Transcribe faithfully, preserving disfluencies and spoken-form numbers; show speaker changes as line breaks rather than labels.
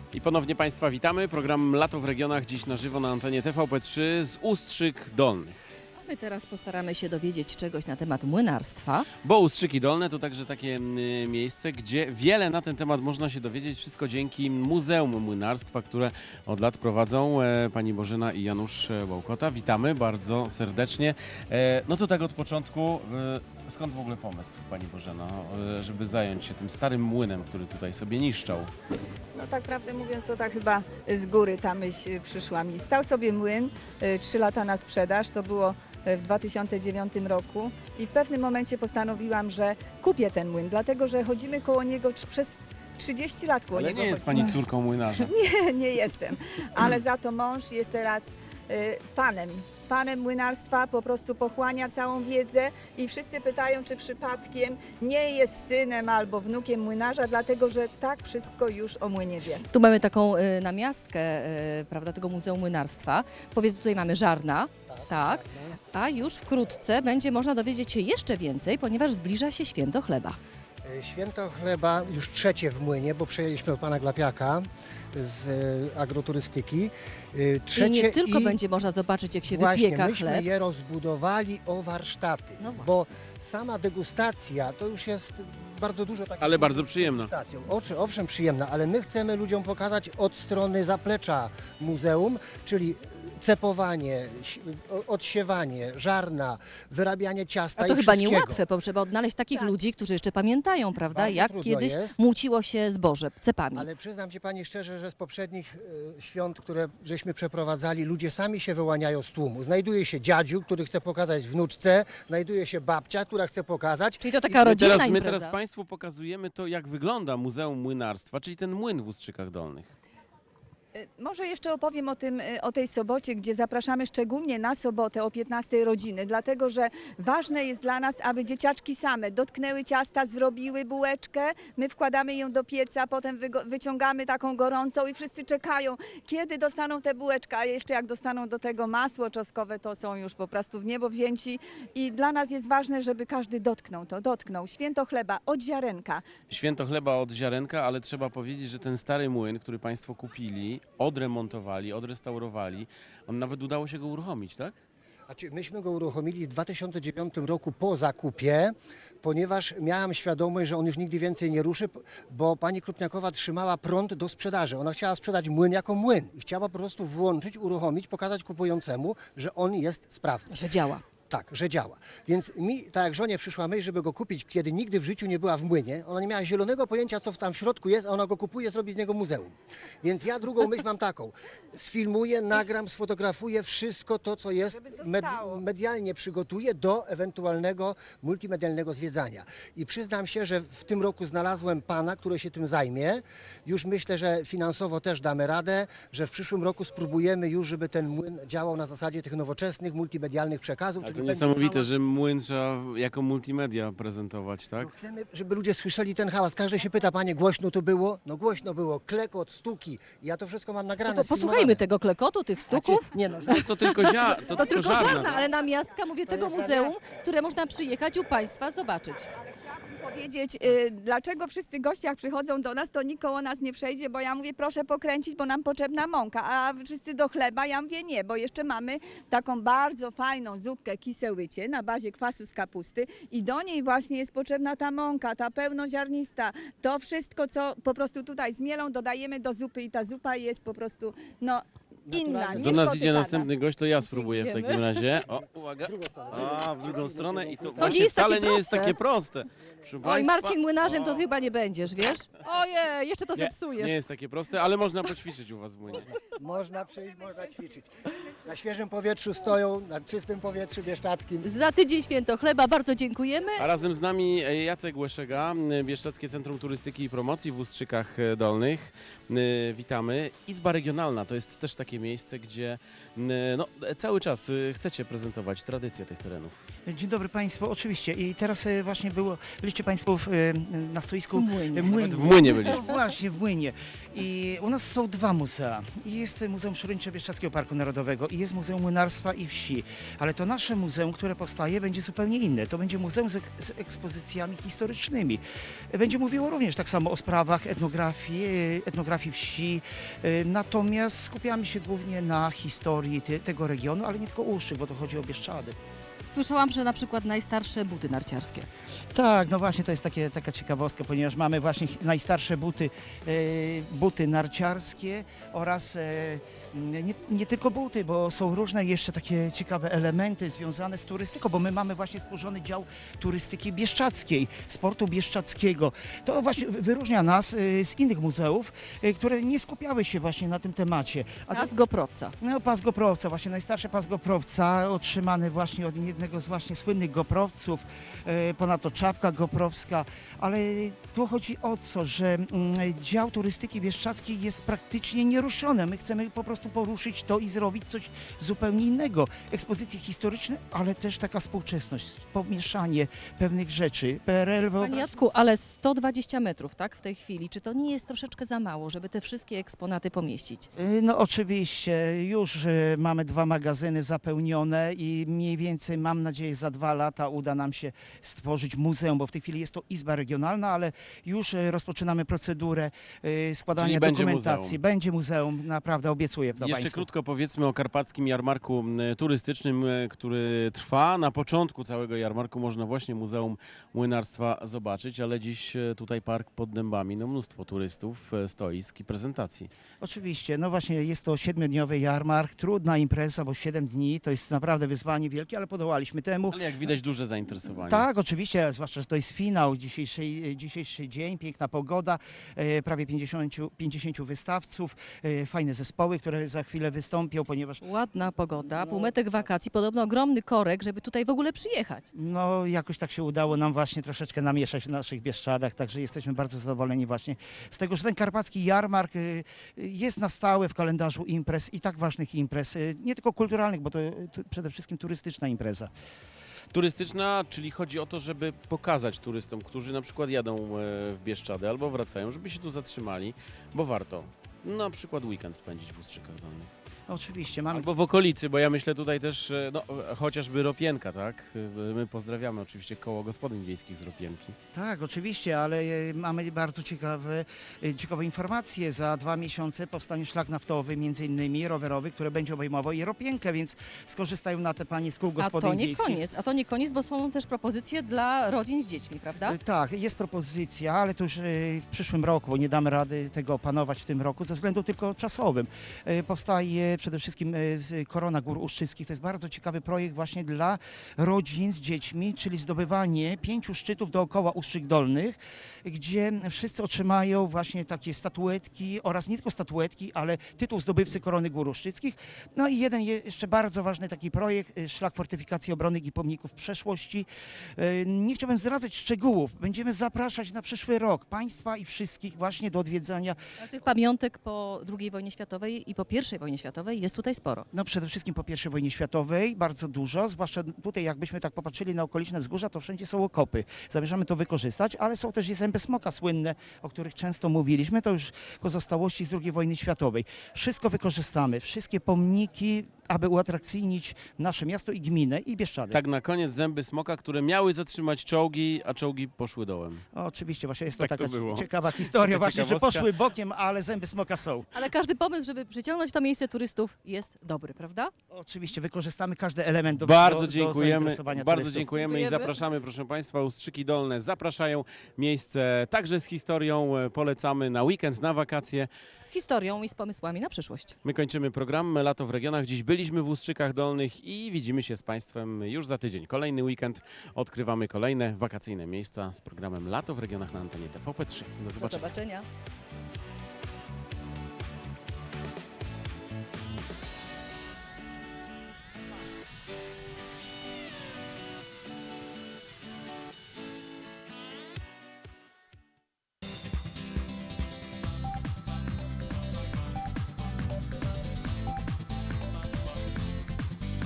I ponownie Państwa witamy. Program Lato w regionach dziś na żywo na antenie T V P trzy z Ustrzyk Dolnych.
My teraz postaramy się dowiedzieć czegoś na temat młynarstwa.
Bo Ustrzyki Dolne to także takie y, miejsce, gdzie wiele na ten temat można się dowiedzieć. Wszystko dzięki Muzeum Młynarstwa, które od lat prowadzą e, pani Bożena i Janusz Łałkota. Witamy bardzo serdecznie. E, no to tak od początku, e, skąd w ogóle pomysł pani Bożeno, e, żeby zająć się tym starym młynem, który tutaj sobie niszczał?
No tak prawdę mówiąc, to tak chyba z góry ta myśl przyszła mi. Stał sobie młyn, y, trzy lata na sprzedaż, to było w dwa tysiące dziewiątym roku i w pewnym momencie postanowiłam, że kupię ten młyn, dlatego że chodzimy koło niego trz- przez trzydzieści lat koło
Ale
niego
nie jest
chodzimy.
pani córką młynarza.
Nie, nie jestem, ale za to mąż jest teraz y, fanem. Fanem młynarstwa, po prostu pochłania całą wiedzę i wszyscy pytają, czy przypadkiem nie jest synem albo wnukiem młynarza, dlatego że tak wszystko już o młynie wie.
Tu mamy taką y, namiastkę, y, prawda, tego Muzeum Młynarstwa. Powiedz, tutaj mamy żarna, tak, a już wkrótce będzie można dowiedzieć się jeszcze więcej, ponieważ zbliża się święto chleba.
Święto chleba już trzecie w młynie, bo przejęliśmy od pana Glapiaka z e, agroturystyki. E, Trzecie
I nie tylko
i
będzie można zobaczyć, jak się
właśnie,
wypieka
myśmy
chleb.
je rozbudowali o warsztaty,
No właśnie.
bo sama degustacja to już jest bardzo dużo takich...
Ale bardzo przyjemna.
degustacją. Oczy, owszem, przyjemna, ale my chcemy ludziom pokazać od strony zaplecza muzeum, czyli cepowanie, ś- o- odsiewanie, żarna, wyrabianie ciasta
A to
i
chyba
wszystkiego.
niełatwe, bo trzeba odnaleźć takich
Tak.
ludzi, którzy jeszcze pamiętają, prawda,
Bardzo
jak
trudno
kiedyś
jest.
muciło się zboże cepami.
Ale przyznam ci pani szczerze, że z poprzednich e, świąt, które żeśmy przeprowadzali, ludzie sami się wyłaniają z tłumu. Znajduje się dziadziu, który chce pokazać wnuczce, znajduje się babcia, która chce pokazać.
Czyli to taka
My
rodzinna
teraz, my
impreza.
teraz Państwu pokazujemy to, jak wygląda Muzeum Młynarstwa, czyli ten młyn w Ustrzykach Dolnych.
Y, Może jeszcze opowiem o, tym, y, o tej sobocie, gdzie zapraszamy szczególnie na sobotę o piętnastej rodziny, dlatego że ważne jest dla nas, aby dzieciaczki same dotknęły ciasta, zrobiły bułeczkę, my wkładamy ją do pieca, potem wygo- wyciągamy taką gorącą i wszyscy czekają, kiedy dostaną tę bułeczkę, a jeszcze jak dostaną do tego masło czosnkowe, to są już po prostu w niebo wzięci i dla nas jest ważne, żeby każdy dotknął to, dotknął. Święto chleba od ziarenka.
Święto chleba od ziarenka, ale trzeba powiedzieć, że ten stary młyn, który Państwo kupili, odremontowali, odrestaurowali, on nawet udało się go uruchomić, tak?
Znaczy, myśmy go uruchomili w dwa tysiące dziewiątym roku po zakupie, ponieważ miałam świadomość, że on już nigdy więcej nie ruszy, bo pani Krupniakowa trzymała prąd do sprzedaży. Ona chciała sprzedać młyn jako młyn i chciała po prostu włączyć, uruchomić, pokazać kupującemu, że on jest sprawny.
Że działa.
Tak, że działa. Więc mi, tak jak żonie przyszła myśl, żeby go kupić, kiedy nigdy w życiu nie była w młynie, ona nie miała zielonego pojęcia, co tam w środku jest, a ona go kupuje, zrobi z niego muzeum. Więc ja drugą myśl mam taką. Sfilmuję, nagram, sfotografuję wszystko to, co jest,
Żeby
med,
zostało.
medialnie przygotuję do ewentualnego multimedialnego zwiedzania. I przyznam się, że w tym roku znalazłem pana, który się tym zajmie. Już myślę, że finansowo też damy radę, że w przyszłym roku spróbujemy już, żeby ten młyn działał na zasadzie tych nowoczesnych, multimedialnych przekazów.
Ale
czyli
to
będzie
niesamowite,
hałas.
że młyn trzeba jako multimedia prezentować, tak?
No chcemy, żeby ludzie słyszeli ten hałas. Każdy się pyta, panie, głośno to było? No głośno było, klekot, stuki. Ja to wszystko mam nagrane,
To po, posłuchajmy tego klekotu, tych stuków.
Znaczy, nie no, że-
To tylko, zia, to
To
tylko
tylko
żarna.
żarna, ale namiastka, mówię,
To
tego
jest
muzeum,
namiastka.
które można przyjechać u Państwa zobaczyć.
Powiedzieć, y, dlaczego wszyscy goście jak przychodzą do nas, to nikt koło nas nie przejdzie, bo ja mówię, proszę pokręcić, bo nam potrzebna mąka, a wszyscy do chleba, ja mówię nie, bo jeszcze mamy taką bardzo fajną zupkę kisełycie na bazie kwasu z kapusty i do niej właśnie jest potrzebna ta mąka, ta pełnoziarnista, to wszystko, co po prostu tutaj z mielą dodajemy do zupy i ta zupa jest po prostu, no, inna,
Naturalnie.
Do nas
niespotykana.
idzie następny gość, to ja spróbuję w
Dziękujemy.
takim razie. O, uwaga.
drugą stronę.
A, w drugą stronę i to
nie
właśnie
jest takie
wcale nie jest
proste.
takie proste. Proszę
Oj,
państwa,
Marcin Młynarzem to chyba nie będziesz, wiesz? Ojej, jeszcze to
nie,
zepsujesz.
nie jest takie proste, ale można poćwiczyć u was w młynie.
Można przyjść, można ćwiczyć. Na świeżym powietrzu stoją, na czystym powietrzu bieszczadzkim.
Za tydzień święto chleba, bardzo dziękujemy.
A razem z nami Jacek Łeszega, Bieszczadzkie Centrum Turystyki i Promocji w Ustrzykach Dolnych. Witamy. Izba Regionalna to jest też takie miejsce, gdzie no, cały czas chcecie prezentować tradycję tych terenów.
Dzień dobry Państwu, oczywiście. I teraz e, właśnie było, byliście Państwo w, e, na stoisku
W Młynie.
e,
Nawet w Młynie
No
byliśmy.
właśnie, w Młynie. I u nas są dwa muzea. I jest Muzeum Przyrodniczo-Bieszczadzkiego Parku Narodowego i jest Muzeum Młynarstwa i Wsi. Ale to nasze muzeum, które powstaje, będzie zupełnie inne. To będzie muzeum z, ek- z ekspozycjami historycznymi. Będzie mówiło również tak samo o sprawach etnografii, e, etnografii wsi. E, Natomiast skupiamy się głównie na historii te, tego regionu, ale nie tylko Ustrzyk, bo to chodzi o Bieszczady.
Słyszałam, że na przykład najstarsze buty narciarskie.
Tak, no właśnie to jest takie, taka ciekawostka, ponieważ mamy właśnie chi- najstarsze buty, e, buty narciarskie oraz e, nie, nie tylko buty, bo są różne jeszcze takie ciekawe elementy związane z turystyką, bo my mamy właśnie stworzony dział turystyki bieszczadzkiej, sportu bieszczadzkiego. To właśnie wyróżnia nas e, z innych muzeów, e, które nie skupiały się właśnie na tym temacie. A
Pas Goprowca.
no, pas Goprowca, właśnie najstarszy pas Goprowca, otrzymany właśnie od jednego z właśnie słynnych Goprowców, e, ponadto czapka goprowska, ale tu chodzi o co, że mm, dział turystyki bieszczadzkiej jest praktycznie nieruszony. My chcemy po prostu poruszyć to i zrobić coś zupełnie innego. Ekspozycje historyczne, ale też taka współczesność, pomieszanie pewnych rzeczy. P R L,
Panie Jacku, ale sto dwadzieścia metrów, tak, w tej chwili. Czy to nie jest troszeczkę za mało, żeby te wszystkie eksponaty pomieścić?
Y, No oczywiście, już y, mamy dwa magazyny zapełnione i mniej więcej mam nadzieję za dwa lata uda nam się stworzyć muzeum, bo w tej chwili jest to Izba Regionalna, ale już y, rozpoczynamy procedurę y, składania
Czyli będzie
dokumentacji.
muzeum.
Będzie muzeum, naprawdę obiecuję to
Jeszcze
Państwu.
krótko powiedzmy o karpackim jarmarku m, turystycznym, e, który trwa. Na początku całego jarmarku można właśnie Muzeum Młynarstwa zobaczyć, ale dziś e, tutaj park pod dębami, no mnóstwo turystów, e, stoisk i prezentacji.
Oczywiście, no właśnie jest to siedmiodniowy jarmark, trudna impreza, bo siedem dni to jest naprawdę wyzwanie wielkie, ale podołaliśmy temu.
Ale jak widać duże zainteresowanie.
Tak, oczywiście, zwłaszcza, że to jest finał, dzisiejszy, dzisiejszy dzień, piękna pogoda, e, prawie pięćdziesięciu, pięćdziesięciu wystawców, e, fajne zespoły, które za chwilę wystąpią, ponieważ
Ładna pogoda, półmetek wakacji, podobno ogromny korek, żeby tutaj w ogóle przyjechać.
no, jakoś tak się udało nam właśnie troszeczkę namieszać w naszych Bieszczadach, także jesteśmy bardzo zadowoleni właśnie z tego, że ten karpacki jarmark e, jest na stałe w kalendarzu imprez i tak ważnych imprez, e, nie tylko kulturalnych, bo to, to przede wszystkim turystyczna impreza.
Turystyczna, czyli chodzi o to, żeby pokazać turystom, którzy na przykład jadą e, w Bieszczady albo wracają, żeby się tu zatrzymali, bo warto na przykład weekend spędzić w Ustrzykach Dolnych.
Oczywiście, mamy
Albo w okolicy, bo ja myślę tutaj też, e, no e, chociażby Ropienka, tak? E, My pozdrawiamy oczywiście koło gospodyń wiejskich z Ropienki.
Tak, oczywiście, ale e, mamy bardzo ciekawe, e, ciekawe informacje. Za dwa miesiące powstanie szlak naftowy, między innymi rowerowy, który będzie obejmował i Ropienkę, więc skorzystają na te panie z kół
A
gospodyń
to nie
wiejskich.
koniec, a to nie koniec, bo są też propozycje dla rodzin z dziećmi, prawda?
E, Tak, jest propozycja, ale to już e, w przyszłym roku, bo nie damy rady tego opanować w tym roku, ze względu tylko czasowym. E, Powstaje przede wszystkim e, z Korona Gór Ustrzyckich. To jest bardzo ciekawy projekt właśnie dla rodzin z dziećmi, czyli zdobywanie pięciu szczytów dookoła Ustrzyk Dolnych, gdzie wszyscy otrzymają właśnie takie statuetki oraz nie tylko statuetki, ale tytuł zdobywcy Korony Gór Ustrzyckich. No i jeden je- jeszcze bardzo ważny taki projekt, e, szlak fortyfikacji obronnych i pomników przeszłości. E, Nie chciałbym zdradzać szczegółów. Będziemy zapraszać na przyszły rok Państwa i wszystkich właśnie do odwiedzania.
A tych pamiątek po drugiej wojnie światowej i po pierwszej wojnie światowej jest tutaj sporo.
No przede wszystkim po pierwszej wojnie światowej bardzo dużo, zwłaszcza tutaj jakbyśmy tak popatrzyli na okoliczne wzgórza, to wszędzie są okopy. Zamierzamy to wykorzystać, ale są też i zęby smoka słynne, o których często mówiliśmy, to już pozostałości z drugiej wojny światowej. Wszystko wykorzystamy, wszystkie pomniki, aby uatrakcyjnić nasze miasto i gminę i Bieszczady.
Tak na koniec zęby smoka, które miały zatrzymać czołgi, a czołgi poszły dołem.
Oczywiście, właśnie jest to
Tak to
taka
było.
ciekawa historia,
Taka
właśnie, że
ciekawostka.
poszły bokiem, ale zęby smoka są.
Ale każdy pomysł, żeby przyciągnąć to miejsce turystów jest dobry, prawda?
Oczywiście wykorzystamy każdy element do,
Bardzo
do, do
dziękujemy,
zainteresowania
bardzo
turystów.
dziękujemy i
Dziękujemy.
zapraszamy, proszę Państwa, Ustrzyki Dolne zapraszają, miejsce także z historią, e, polecamy na weekend, na wakacje.
Z historią i z pomysłami na przyszłość.
My kończymy program Lato w regionach, dziś byliśmy w Ustrzykach Dolnych i widzimy się z Państwem już za tydzień. Kolejny weekend, odkrywamy kolejne wakacyjne miejsca z programem Lato w regionach na antenie T V P trzy. Do
Do
zobaczenia.
zobaczenia.